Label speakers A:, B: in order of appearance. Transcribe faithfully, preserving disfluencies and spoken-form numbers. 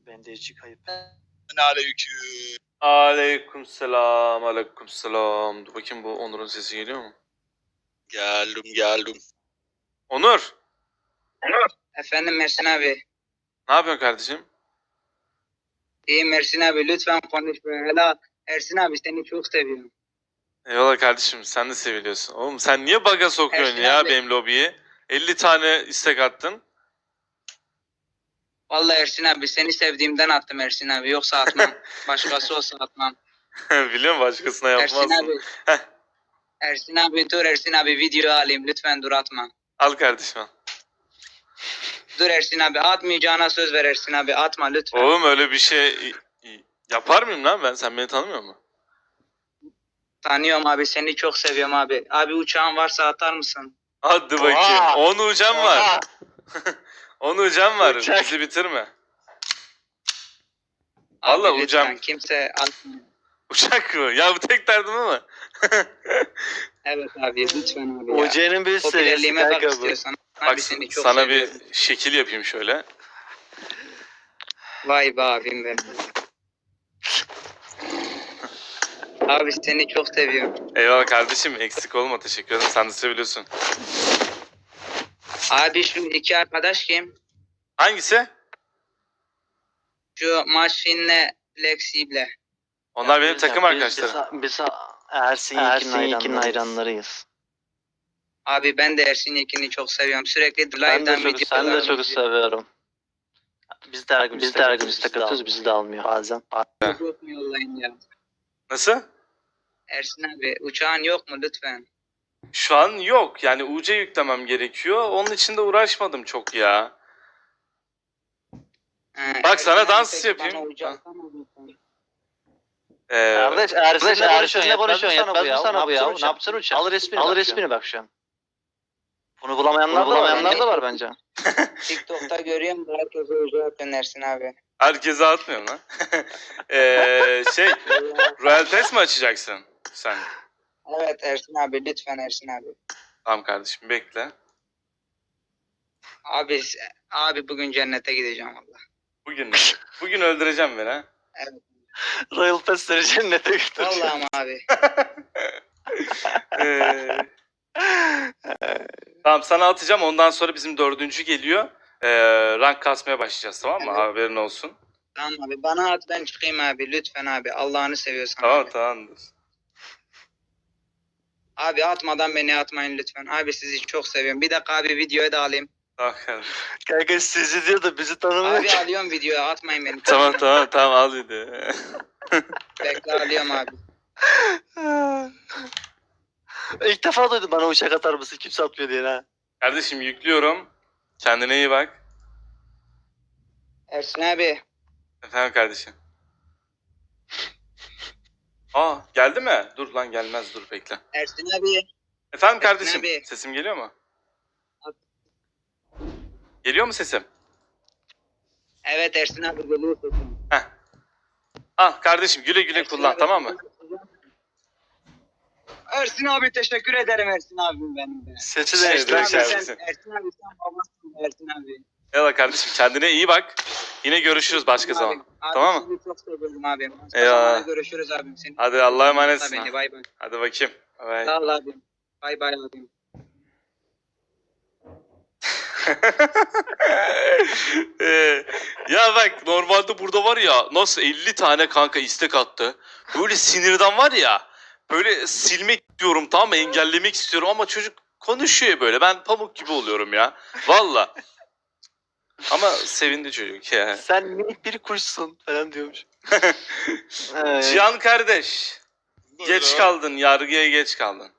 A: Bende içi kayıp.
B: Aleyküm.
C: Aleykümselam, aleykümselam. Dur bakayım, bu Onur'un sesi geliyor mu?
B: Geldim geldim.
C: Onur,
D: Efendim Mersin abi.
C: ne yapıyorsun kardeşim?
D: İyi Mersin abi, lütfen konuş böyle. Helal. Ersin abi, seni çok seviyorum.
C: Eyvallah kardeşim, sen de seviliyorsun. Oğlum sen niye baga sokuyorsun
D: Ersin
C: ya
D: abi.
C: benim lobiyi? elli tane istek attın.
D: Vallahi Ersin abi, seni sevdiğimden attım Ersin abi. Yoksa atmam. Başkası olsa atmam.
C: Biliyorum, başkasına
D: Ersin
C: yapmazsın.
D: abi.
C: Heh.
D: Ersin abi dur, Ersin abi video alayım. Lütfen dur, atma.
C: Al kardeşim al.
D: Dur Ersin abi, atmayacağına söz ver Ersin abi. Atma lütfen.
C: Oğlum öyle bir şey yapar mıyım lan ben? Sen beni tanımıyor musun?
D: Tanıyorum abi, seni çok seviyorum abi. Abi uçağın varsa atar mısın?
C: Hadi bakayım.
B: Oha!
C: on ucam var. on ucam var.
B: Uçak.
C: Bizi bitirme.
D: Abi
C: Vallahi
D: lütfen,
C: uçağım.
D: kimse atmıyor.
C: Uçak mı? Ya bu tek derdim ama.
D: Evet abi, lütfen abi ya.
A: Uce'nin bir seviyesi
D: Popülerliğime bak
A: kanka bu.
D: istiyorsan.
C: Bak
D: Abi seni çok
C: sana
D: seviyorum.
C: bir şekil yapayım şöyle.
D: Vay be abim benim. Abi seni çok seviyorum.
C: Eyvallah kardeşim, eksik olma, teşekkür ederim. Sen de seviyorsun.
D: Abi şu iki arkadaş kim?
C: Hangisi?
D: Şu Maşin'le Lexi'yle.
C: Onlar benim
A: Biz-
C: takım
A: biz-
C: arkadaşlarım.
A: Biz, biz Ersin Yekin'in hayranlarıyız.
D: Abi ben de Ersin Yekin'i çok seviyorum. Sürekli
A: Ben de
D: live'dan
A: çok,
D: videolar
A: ben de çok
D: izliyorum.
A: seviyorum. Biz de her gün biz de her gün istek atıyoruz, bizi de almıyor bazen.
D: Yok mu yollayın ya?
C: Nasıl?
D: Ersin abi uçağın yok mu lütfen?
C: Şu an yok. Yani U C yüklemem gerekiyor. Onun için de uğraşmadım çok ya.
D: He,
C: Bak sana
D: Ersin abi,
C: dans
D: peki
C: yapayım.
D: bana uçak atar mısın?
C: Ee,
A: Kardeş
E: Ersin'le
A: Ersin'le konuşuyorsun,
E: konuşuyorsun,
A: konuşuyorsun,
E: yetmez mi
A: yetmez mi sana bu ya? Ne
E: yapacaksın?
A: yapacaksın uçağı?
E: Al resmini
A: Al
E: bak
A: resmini bak şu an. Bunu bulamayanlar,
D: Bunu
A: da, var,
D: bulamayanlar
A: da var bence.
D: TikTok'ta görüyorum da herkese uçağı atıyorsun Ersin abi.
C: herkese atmıyorum lan. ee, şey, Royal Pass mi açacaksın sen?
D: Evet Ersin abi, lütfen Ersin abi.
C: Tamam kardeşim, bekle.
D: Abi abi bugün cennete gideceğim valla.
C: Bugün bugün öldüreceğim beni ha.
A: Royal Pass'leri cennete götürüyor.
D: Vallahi ama abi.
C: Ee, tamam, sana atacağım, ondan sonra bizim dördüncü geliyor. Ee, rank kasmaya başlayacağız, tamam mı?
D: Evet.
C: Haberin olsun.
D: Tamam abi, bana at ben çıkayım abi, lütfen abi. Allah'ını seviyorsan
C: Tamam
D: abi.
C: tamamdır.
D: Abi atmadan beni atmayın lütfen. Abi sizi çok seviyorum. Bir dakika abi, videoyu da alayım.
C: Tamam kardeşim.
A: Kanka sizi diyor da bizi tanımıyor
D: Abi
A: ki.
D: alıyorum videoyu, atmayın beni.
C: Tamam tamam tamam, al dedi.
D: Bekle, alıyorum abi.
A: İlk defa duydum bana uçak atar mısın? Kimse atmıyor diye ha.
C: Kardeşim yüklüyorum. Kendine iyi bak.
D: Ersin abi.
C: Efendim kardeşim. Aa, geldi mi? Dur lan, gelmez, dur bekle.
D: Ersin abi.
C: Efendim kardeşim,
D: abi.
C: sesim geliyor mu? Geliyor mu sesim?
D: Evet Ersin abi, geliyor sesim.
C: Heh. Al kardeşim, güle güle
D: Ersin
C: kullan,
D: abi,
C: tamam mı?
D: Ersin abi teşekkür ederim Ersin abim benim de.
A: Sesi
C: Şey,
A: değiştir.
C: bırak
D: Ersin
C: sen-
D: abi,
C: kardeşim.
D: sen, Ersin abi sen babasın Ersin abi.
C: Eyvallah kardeşim, kendine iyi bak. Yine görüşürüz başka
D: Abim,
C: zaman.
D: Abi,
C: Tamam mı?
D: Seni çok seviyorum abim. Başka
C: Eyvallah.
D: zamanda görüşürüz abim. Seni
C: Hadi Allah'a emanetsin.
D: Beni, bay bay.
C: Hadi bakayım. Bay.
D: Sağ ol abim. Bay bay abim.
C: Ee, ya bak, normalde burada var ya, nasıl elli tane kanka istek attı. Böyle sinirden var ya, böyle silmek istiyorum, tamam mı, engellemek istiyorum ama çocuk konuşuyor böyle, ben pamuk gibi oluyorum ya. Valla. Ama sevindi çocuk ya.
A: Sen minik bir kuşsun falan diyormuş. Ee,
C: Cihan kardeş, geç
B: Buyurun.
C: kaldın, yargıya geç kaldın.